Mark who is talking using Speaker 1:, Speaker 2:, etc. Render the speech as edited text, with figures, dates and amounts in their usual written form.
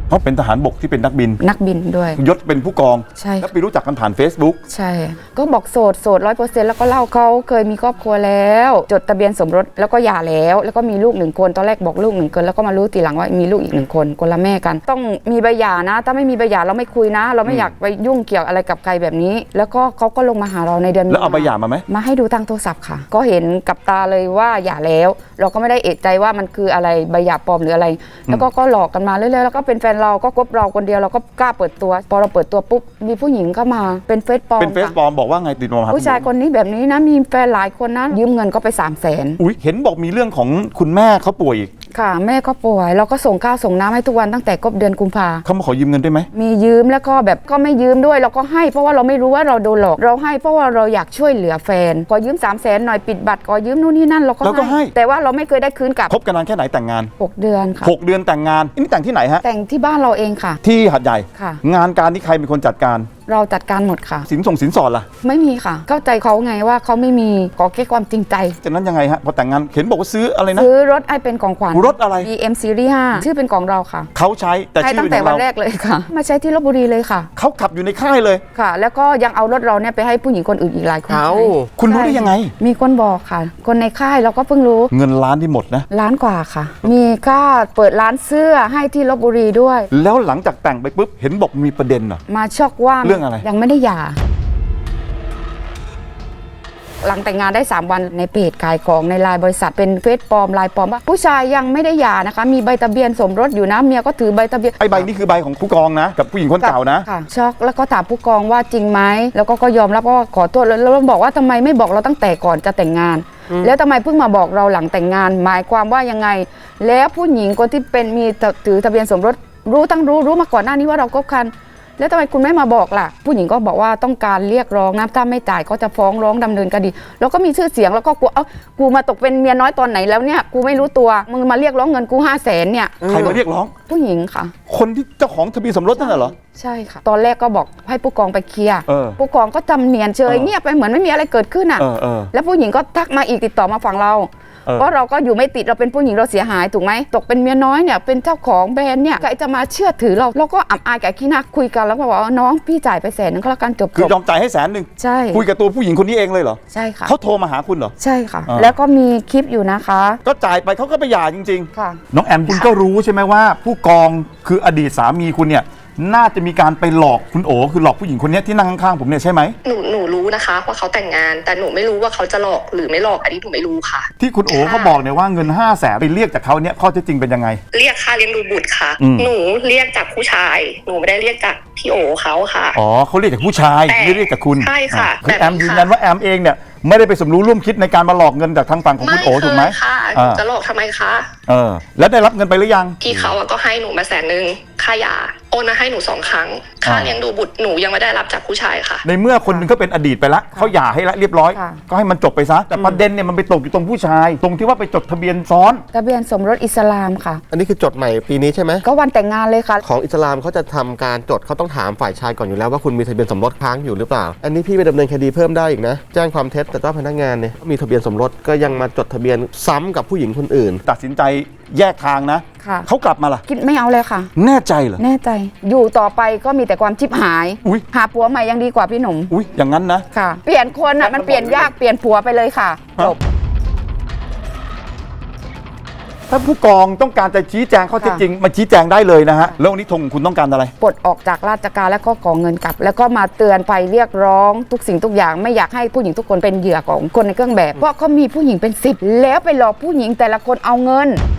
Speaker 1: เขาเป็นทหารบกที่เป็นนักบิน
Speaker 2: ด้วย
Speaker 1: ยศเป็นผู้กอง
Speaker 2: ใช่
Speaker 1: แล้วไปรู้จักกันผ่าน Facebook
Speaker 2: ใช่ก็บอกโสด100%แล้วก็เล่าเขาเคยมีครอบครัวแล้วจดทะเบียนสมรสแล้วก็หย่าแล้วก็มีลูก1 คนตอนแรกบอกลูก1 คนแล้วก็มารู้ทีหลังว่ามีลูกอีก1 คนคนละแม่กันต้องมีใบหย่านะถ้าไม่มีใบหย่าเราไม่คุยนะเราไม่อยากไปยุ่งเกี่ยวอะไรกับใครแบบนี้แล้วก็เขาก็ลงมาหาเราในเดือน
Speaker 1: แล้วเอาใบหย่ามาไหม
Speaker 2: มาให้ดูทางโทรศัพท์ค่ะก็เห็นกับตาเลยว่าหย่าแล้วเราก็ไม่ได้เอะใจว่ามันคืออะไรใบหย่าปลอมหรืออะไรแล้วก็หลอกกันมาเรื่อยๆแล้วก็เป็นแฟนเราก็คบเราคนเดียวเราก็กล้าเปิดตัวพอเราเปิดตัวปุ๊บมีผู้หญิงเข้ามาเป็นเฟซปลอม
Speaker 1: บอกว่าไงติดต่อมา
Speaker 2: ผู้ชายคนนี้แบบนี้นะมีแฟนหลายคนนะยืมเงินก็ไป300,000
Speaker 1: อุ้ยเห็นบอกมีเรื่องของคุณแม่เขาป่วยอีก
Speaker 2: ค่ะแม่ก็ป่วยเราก็ส่งข้าวส่งน้ำให้ทุกวันตั้งแต่เดือนกุมภา
Speaker 1: เขามาขอยืมเงินได้ไหม
Speaker 2: มียืมแล้วก็แบบก็ไม่ยืมด้วยเราก็ให้เพราะว่าเราไม่รู้ว่าเราโดนหลอกเราให้เพราะว่าเราอยากช่วยเหลือแฟนขอยืม300,000หน่อยปิดบัตรขอยืมนู่นนี่นั่นเราก็ให้แต่ว่าเราไม่เคยได้คืนกลับ
Speaker 1: คบกันนานแค่ไหนแต่งงาน
Speaker 2: 6 เดือนค่ะ
Speaker 1: 6 เดือนแต่งงานนี่แต่งที่ไหนฮะ
Speaker 2: แต่งที่บ้านเราเองค่ะ
Speaker 1: ที่หัดใหญ่
Speaker 2: ค่ะ
Speaker 1: งานการนี่ใครเป็นคนจัดการ
Speaker 2: เราจัดการหมดค่ะ
Speaker 1: สินสอดล่ะ
Speaker 2: ไม่มีค่ะเข้าใจเขาไงว่าเขาไม่มีขอแค่ความจริงใจ
Speaker 1: จากนั้นยังไงฮะพอแต่งงานเห็นบอกว่าซื้ออะไรนะ
Speaker 2: ซื้อรถไอเป็นของขวัญ
Speaker 1: รถอะไร
Speaker 2: BM Series 5ชื่อเป็นของเราค่ะ
Speaker 1: เขาใช้แต่ชื่อ
Speaker 2: ตั้งแต่วันแรกเลยค่ะมาใช้ที่ลพบุรีเลยค่ะ
Speaker 1: เขาขับอยู่ในค่ายเลย
Speaker 2: ค่ะแล้วก็ยังเอารถเราเนี่ยไปให้ผู้หญิงคนอื่นอีกหลายคน
Speaker 1: คุณรู้ได้ยังไง
Speaker 2: มีคนบอกค่ะคนในค่ายเราก็เพิ่งรู้
Speaker 1: เงินล้านที่หมดนะ
Speaker 2: ล้านกว่าค่ะมีค่าเปิดร้านเสื้อให้ที่ลพบุรีด้วย
Speaker 1: แล้วหลังจากแต่งไปปุ๊บเห็นบอกมีประเด็นเหรอ
Speaker 2: มาช็อกว่า
Speaker 1: เรื่องอะไร
Speaker 2: ยังไม่ได้หย่าหลังแต่งงานได้3 วันในเพจขายของในไลน์บริษัทเป็นเฟซปลอมไลน์ปลอมว่าผู้ชายยังไม่ได้หย่านะคะมีใบทะเบียนสมรสอยู่นะเมียก็ถือใบทะเบียน
Speaker 1: ไอ้ใบนี้คือใบของผู้กองนะกับผู้หญิงคนเก่านะ
Speaker 2: ค่ะช็อกแล้วก็ถามผู้กองว่าจริงไหมแล้วก็ยอมรับว่าขอโทษแล้วเราบอกว่าทำไมไม่บอกเราตั้งแต่ก่อนจะแต่งงานแล้วทำไมเพิ่งมาบอกเราหลังแต่งงานหมายความว่ายังไงแล้วผู้หญิงคนที่เป็นมีถือทะเบียนสมรสรู้มาก่อนหน้านี้ว่าเราคบกันแล้วทำไมคุณไม่มาบอกล่ะผู้หญิงก็บอกว่าต้องการเรียกร้องนะถ้าไม่จ่ายก็จะฟ้องร้องดำเนินคดีแล้วก็มีชื่อเสียงแล้วก็กลัวกูมาตกเป็นเมียน้อยตอนไหนแล้วเนี่ยกูไม่รู้ตัวมึงมาเรียกร้องเงินกู500,000เนี่ย
Speaker 1: ใครมาเรียกร้อง
Speaker 2: ผู้หญิงค่ะ
Speaker 1: คนที่เจ้าของทะเบียนสมรสนั่นเหรอ
Speaker 2: ใช่ค่ะตอนแรกก็บอกให้ผู้กองไปเคลียร์ผู้กองก็จำเนียนเฉยเงียบไปเหมือนไม่มีอะไรเกิดขึ้นอ่ะแล้วผู้หญิงก็ทักมาอีกติดต่อมาฝั่งเราเพราะเราก็อยู่ไม่ติดเราเป็นผู้หญิงเราเสียหายถูกไหมตกเป็นเมียน้อยเนี่ยเป็นเจ้าของแบรนด์เนี่ยใครจะมาเชื่อถือเราก็อับอายกับขี้หน้าคุยกันแล้วก็บอกว่าน้องพี่จ่ายไป100,000ก็แล้วกันจบ
Speaker 1: คือยอมจ่ายให้100,000
Speaker 2: ใช่
Speaker 1: คุยกับตัวผู้หญิงคนนี้เองเลยเหรอ
Speaker 2: ใช่ค่ะ
Speaker 1: เขาโทรมาหาคุณเหรอ
Speaker 2: ใช่ค่ะแล้วก็มีคลิปอยู่นะคะ
Speaker 1: ก็จ่ายไปเขาก็ไปหย่าจริง
Speaker 2: ๆค่ะ
Speaker 1: น้องแอมคุณก็รู้ใช่ไหมว่าผู้กองคืออดีตสามีคุณเนี่ยน่าจะมีการไปหลอกคุณโอคือหลอกผู้หญิงคนนี้ที่นั่งข้างๆผมเนี่ยใช่ไหม
Speaker 3: หนูรู้นะคะว่าเขาแต่งงานแต่หนูไม่รู้ว่าเขาจะหลอกหรือไม่หลอกอันนี้หนูไม่รู้ค่ะ
Speaker 1: ที่คุณโอเขาบอกเนี่ยว่าเงิน500,000ไปเรียกจากเขาเนี่ยข้อเท็จจริงเป็นยังไง
Speaker 3: เรียกค่าเลี้ยงดูบุตรค่ะหนูเรียกจากผู้ชายหนูไม่ได้เรียกจากพี่โอเขาค่ะ
Speaker 1: อ๋อเขาเรียกจากผู้ชายไม่เรียกจากคุณ
Speaker 3: ใช่ค่ะ
Speaker 1: คือแอมยืนยันว่าแอมเองเนี่ยไม่ได้ไปสมรู้ร่วมคิดในการมาหลอกเงินจากทางฝั่งของคุณโอถูกไหม
Speaker 3: ไม่ค่ะจะหลอกทำไมคะ
Speaker 1: แล้วได้รับเงินไปหรือยัง
Speaker 3: พี่เขาก็ให้หนูมา100,000ค่ายาโอนมาให้หนู2 ครั้งค่าเลี้ยงดูบุตรหนูยังไม่ได้รับจากผู้ชายค่ะ
Speaker 1: ในเมื่อคนนึงก็เป็นอดีตไปแล้วเขาหย่าให้แล้วเรียบร้อยก็ให้มันจบไปซะแต่ประเด็นเนี่ยมันไปตกอยู่ตรงผู้ชายตรงที่ว่าไปจดทะเบียนซ้อน
Speaker 2: ทะเบียนสมรสอิสลามค่ะ
Speaker 4: อันนี้คือจดใหม่ปีนี้ใช่ไหม
Speaker 2: ก็วันแต่งงานเลยค่ะ
Speaker 4: ของอิสลามเขาจะทำการจดเขาต้องถามฝ่ายชายก่อนอยู่แล้วว่าคุณมีทะเบียนสมรสค้างอยู่หรือเปล่าอันนี้พี่ไปดำเนินคดีเพิ่มได้อีกนะแจ้งความเท็จแต่เจ้าพนักงานเนี่ยมีทะเบียนสมรสก็ยังมาจดทะเบียนซ้ำกับผู้หญิงคนอื่น
Speaker 1: ตัดสินใจแยกทางนะเขากลับมาล่ะ
Speaker 2: คิดไม่เอาเลยค่ะ
Speaker 1: แน่ใจเหรอ
Speaker 2: แน่ใจอยู่ต่อไปก็มีแต่ความชิบหายหาผัวใหม่ยังดีกว่าพี่หนุ่ม
Speaker 1: อย่างนั้นนะ
Speaker 2: ค่ะเปลี่ยนคนอ่ะมันเปลี่ยนยากเปลี่ยนผัวไปเลยค่ะจบ
Speaker 1: ถ้าผู้กองต้องการจะชี้แจงข้อเท็จจริงมาชี้แจงได้เลยนะฮะแล้ววันนี้ธงคุณต้องการอะไร
Speaker 2: ปลดออกจากราชการแล้วก็ขอเงินกลับแล้วก็มาเตือนภัยเรียกร้องทุกสิ่งทุกอย่างไม่อยากให้ผู้หญิงทุกคนเป็นเหยื่อของคนในเครื่องแบบเพราะเขามีผู้หญิงเป็น10แล้วไปหลอกผู้หญิงแต่ละคนเอาเงิน